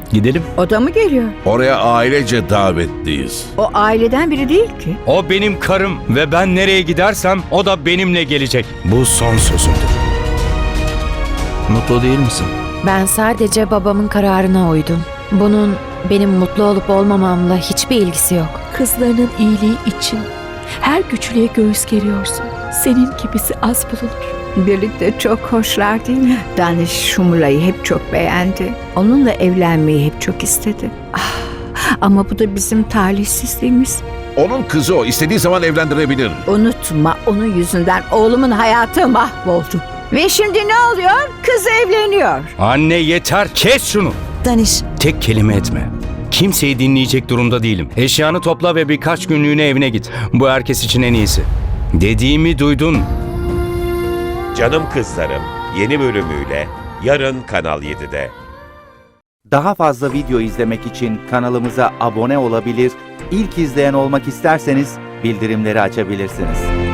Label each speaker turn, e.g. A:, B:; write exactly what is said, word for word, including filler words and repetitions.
A: Gidelim.
B: O da mı geliyor?
C: Oraya ailece davetliyiz.
B: O aileden biri değil ki.
D: O benim karım ve ben nereye gidersem o da benimle gelecek. Bu son sözümdür.
A: Mutlu değil misin?
E: Ben sadece babamın kararına uydum. Bunun benim mutlu olup olmamamla hiçbir ilgisi yok.
F: Kızlarının iyiliği için her güçlüğe göğüs geriyorsun. Senin gibisi az bulunur.
B: Birlikte çok hoşlar değil mi? Danish Shumula'yı hep çok beğendi. Onunla evlenmeyi hep çok istedi. Ah, ama bu da bizim talihsizliğimiz.
C: Onun kızı o. İstediği zaman evlendirebilir.
B: Unutma, onun yüzünden oğlumun hayatı mahvoldu. Ve şimdi ne oluyor? Kız evleniyor.
D: Anne yeter, kes şunu.
G: Danish,
D: Tek kelime etme. Kimseyi dinleyecek durumda değilim. Eşyanı topla ve birkaç günlüğüne evine git. Bu herkes için en iyisi. Dediğimi duydun.
H: Canım Kızlarım yeni bölümüyle yarın Kanal yedide.
I: Daha fazla video izlemek için kanalımıza abone olabilir, ilk izleyen olmak isterseniz bildirimleri açabilirsiniz.